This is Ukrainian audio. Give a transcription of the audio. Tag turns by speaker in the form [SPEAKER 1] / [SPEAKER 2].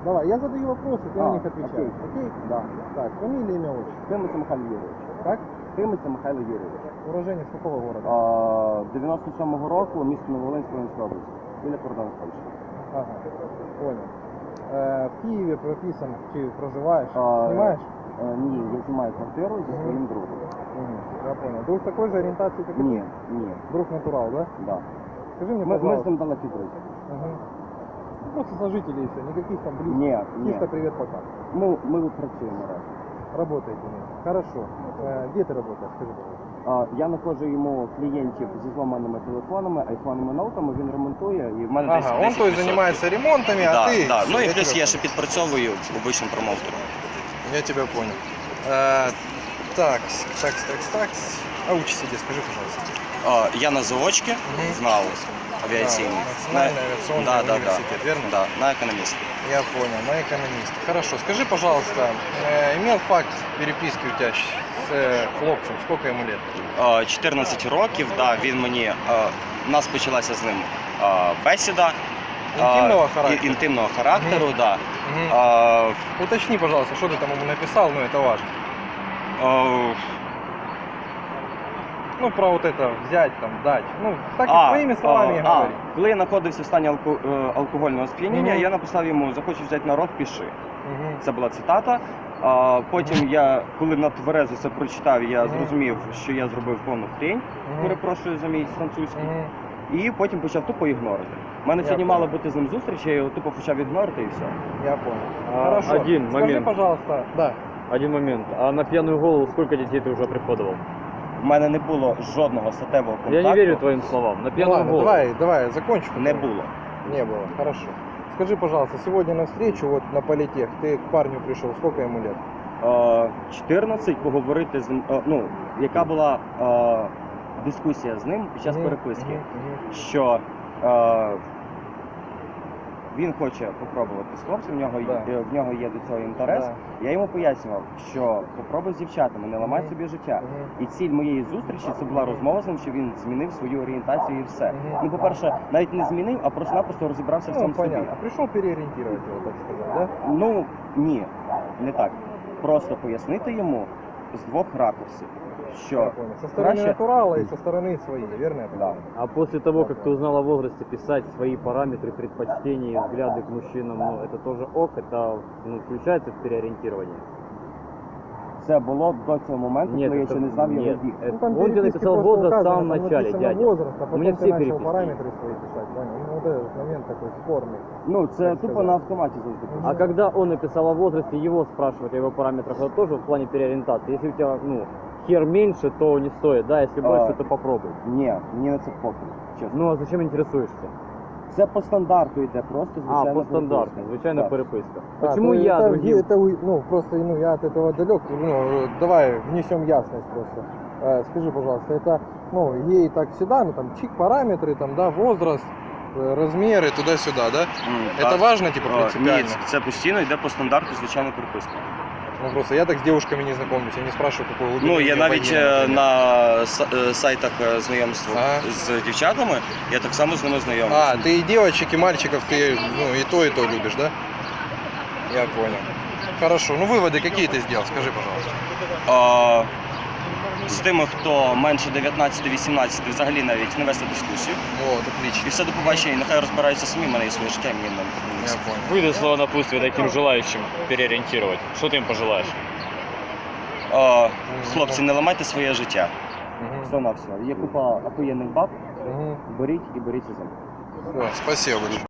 [SPEAKER 1] Давай, я задаю вопросы, ты на них отвечаешь. Окей?
[SPEAKER 2] Да.
[SPEAKER 1] Так, фамилия, имя, отчество.
[SPEAKER 2] Тимиця Михайло Юрійович.
[SPEAKER 1] Как?
[SPEAKER 2] Тимиця Михайло Юрійович.
[SPEAKER 1] Уроженец какого города?
[SPEAKER 2] 97-го року, місто Нововолинськ, Волинської області. Біля кордону з Польщею.
[SPEAKER 1] Ага, понял. В Киеве прописан, ты проживаешь? Снимаешь?
[SPEAKER 2] Ні, я знімаю квартиру зі своїм другом.
[SPEAKER 1] Я понял. Друг такой же ориентации, как и
[SPEAKER 2] Ні,
[SPEAKER 1] ты?
[SPEAKER 2] ні,
[SPEAKER 1] Друг натурал, да?
[SPEAKER 2] да.
[SPEAKER 1] Скажи мне,
[SPEAKER 2] Ми з
[SPEAKER 1] пожалуйста.
[SPEAKER 2] ним далекі друзі.
[SPEAKER 1] Ага. Просто сожители и все, никаких там близких.
[SPEAKER 2] Ні,
[SPEAKER 1] Чисто
[SPEAKER 2] ні.
[SPEAKER 1] привет, пока.
[SPEAKER 2] Ми працюємо разом.
[SPEAKER 1] Работаете вместе. Хорошо. Где ты работаешь? Скажи, пожалуйста.
[SPEAKER 2] Я знаходжу йому клієнтів зі зламаними телефонами, айфонами, ноутами, він ремонтує і в мене десь
[SPEAKER 1] Ага, он то есть
[SPEAKER 3] 10%.
[SPEAKER 1] занимается ремонтами, а
[SPEAKER 3] Да,
[SPEAKER 1] ты...
[SPEAKER 3] да. Ну і
[SPEAKER 1] Я
[SPEAKER 3] плюс
[SPEAKER 1] тебя
[SPEAKER 3] я ще підпрацьовую обичним промоутером.
[SPEAKER 1] понял. Я тебя понял. Так. А учишься где, скажи, пожалуйста.
[SPEAKER 3] Я на заочці в НАУ авіаційній.
[SPEAKER 1] Национальный авиационный университет, верно?
[SPEAKER 3] Да, на економіст.
[SPEAKER 1] Я понял, на экономист. Хорошо, скажи, пожалуйста, имел факт переписки у тебя с хлопцем, сколько ему лет?
[SPEAKER 3] 14 років, да, він мені, у нас почалася з ним бесіда.
[SPEAKER 1] Интимного характера?
[SPEAKER 3] Інтимного характеру, да.
[SPEAKER 1] Мгм. Уточни, пожалуйста, что ты там ему написал, ну это важно. Ну, про вот это взять, там, дать. Ну, так и своими словами говори.
[SPEAKER 3] Коли я знаходився в стані алкогольного сп'яніння,
[SPEAKER 1] Мгм.
[SPEAKER 3] я написав йому «Захочеш взяти на рог, пиши».
[SPEAKER 1] Мгм.
[SPEAKER 3] Це була цитата. Потім я, коли на тверезо це прочитав, я зрозумів, що я зробив повну хрень, перепрошую за мій французький,
[SPEAKER 1] Мгм.
[SPEAKER 3] і потім почав тупо ігнорити. У мене
[SPEAKER 1] Я
[SPEAKER 3] сьогодні
[SPEAKER 1] понял.
[SPEAKER 3] мала бути з ним зустріч, я його тупо почав ігнорити і все.
[SPEAKER 1] Я понял. Хорошо.
[SPEAKER 4] Один
[SPEAKER 1] Скажи,
[SPEAKER 4] момент.
[SPEAKER 1] пожалуйста, да.
[SPEAKER 4] Один момент. А на пьяную голову сколько детей ты уже приходовал?
[SPEAKER 3] У мене не було жодного статевого контакту.
[SPEAKER 4] Я не верю твоим словам. На
[SPEAKER 1] Ну
[SPEAKER 4] пьяную
[SPEAKER 1] ладно,
[SPEAKER 4] голову.
[SPEAKER 1] давай, закончу.
[SPEAKER 3] Не було.
[SPEAKER 1] Не было, хорошо. Скажи, пожалуйста, сегодня на встречу вот на политех ты к парню пришел, сколько ему лет?
[SPEAKER 3] 14 поговорити з ним, яка була дискусія з ним під час переписки, що він хоче попробувати з хлопцем, в нього є до цього інтерес.
[SPEAKER 1] Да.
[SPEAKER 3] Я йому пояснював, що попробуй з дівчатами, не ламай собі життя. І ціль моєї зустрічі це була розмова з ним, що він змінив свою орієнтацію і все. Ну, по-перше, навіть не змінив, а просто-напросто розібрався в
[SPEAKER 1] Ну,
[SPEAKER 3] цьому собі.
[SPEAKER 1] понятно. Пришел переориентировать его, так сказать, да?
[SPEAKER 3] Ну, ні, не так. Просто пояснити йому з двох ракурсів, що
[SPEAKER 1] Я понял. Со стороны
[SPEAKER 3] краще...
[SPEAKER 1] натурала и со стороны своей, верно? я понимаю?
[SPEAKER 4] А после того, как ты узнал о возрасте, писать свои параметры, предпочтения и взгляды к мужчинам, ну, это тоже ок, это включается в переориентирование?
[SPEAKER 3] Це було до цього моменту, коли я ще не знав його вік.
[SPEAKER 1] Ну, там
[SPEAKER 4] Он тебе
[SPEAKER 1] переписки
[SPEAKER 4] написал
[SPEAKER 1] просто
[SPEAKER 4] возраст в
[SPEAKER 1] указано,
[SPEAKER 4] самом
[SPEAKER 1] там
[SPEAKER 4] начале,
[SPEAKER 1] написано
[SPEAKER 4] дядя.
[SPEAKER 1] возраст, а
[SPEAKER 4] У
[SPEAKER 1] потом
[SPEAKER 4] меня
[SPEAKER 1] ты
[SPEAKER 4] все
[SPEAKER 1] начал
[SPEAKER 4] переписки.
[SPEAKER 1] параметры свои писать, понял? Ну, вот этот момент такой спорный.
[SPEAKER 3] Ну, це
[SPEAKER 1] Так
[SPEAKER 3] тупо
[SPEAKER 1] сказати.
[SPEAKER 3] на автоматі завжди.
[SPEAKER 4] А когда он написал о возрасте, его спрашивать о его параметрах, это тоже в плане переориентации. Если у тебя, ну, хер меньше, то не стоит, да, если больше, то попробуй.
[SPEAKER 3] Ні, мені на це похуй, чесно.
[SPEAKER 4] Ну, а зачем интересуешься?
[SPEAKER 3] Це по стандарту йде, просто звичайно.
[SPEAKER 4] по стандарту, звичайно,
[SPEAKER 3] Так.
[SPEAKER 4] переписка.
[SPEAKER 1] А,
[SPEAKER 4] Почему
[SPEAKER 1] то
[SPEAKER 4] я
[SPEAKER 1] это,
[SPEAKER 4] другим?
[SPEAKER 1] ну, просто, ну, я от этого далек, ну, давай внесем ясность просто. Скажи, пожалуйста, это, ну, ей так всегда, ну, там, чик, параметры, там, да, возраст, размеры, туда-сюда, да? Это
[SPEAKER 3] Так.
[SPEAKER 1] важно, типа,
[SPEAKER 3] Ні,
[SPEAKER 1] принципиально?
[SPEAKER 3] це постійно йде по стандарту, звичайно, переписка.
[SPEAKER 1] Ну, просто я так с девушками не знакомлюсь, я не спрашиваю, какой глубины.
[SPEAKER 3] Ну, я
[SPEAKER 1] у
[SPEAKER 3] навіть
[SPEAKER 1] вагина, например.
[SPEAKER 3] на сайтах знайомства
[SPEAKER 1] Ага.
[SPEAKER 3] з дівчатами, я так само з ними знайомий.
[SPEAKER 1] А, ты и девочек, и мальчиков, ты, ну, и то любишь, да? Я понял. Хорошо, ну, выводы какие ты сделал, скажи, пожалуйста.
[SPEAKER 3] З тими, хто менше 19-18, взагалі навіть не вести дискусію.
[SPEAKER 1] Вот,
[SPEAKER 3] І
[SPEAKER 1] отлично.
[SPEAKER 3] все, до побачення, і нехай розбираються самі, в мене є своє життя, і мені не
[SPEAKER 1] Я
[SPEAKER 3] потрібно.
[SPEAKER 1] понял.
[SPEAKER 5] Выдай слово напутствия таким желающим переориентировать. Что ты им пожелаешь?
[SPEAKER 3] Хлопці, не ламайте своє життя.
[SPEAKER 1] Мгм.
[SPEAKER 3] Все на все. Є купа охуєнних баб,
[SPEAKER 1] Мгм.
[SPEAKER 3] беріть і беріть із ним.
[SPEAKER 1] Всё, спасибо большое.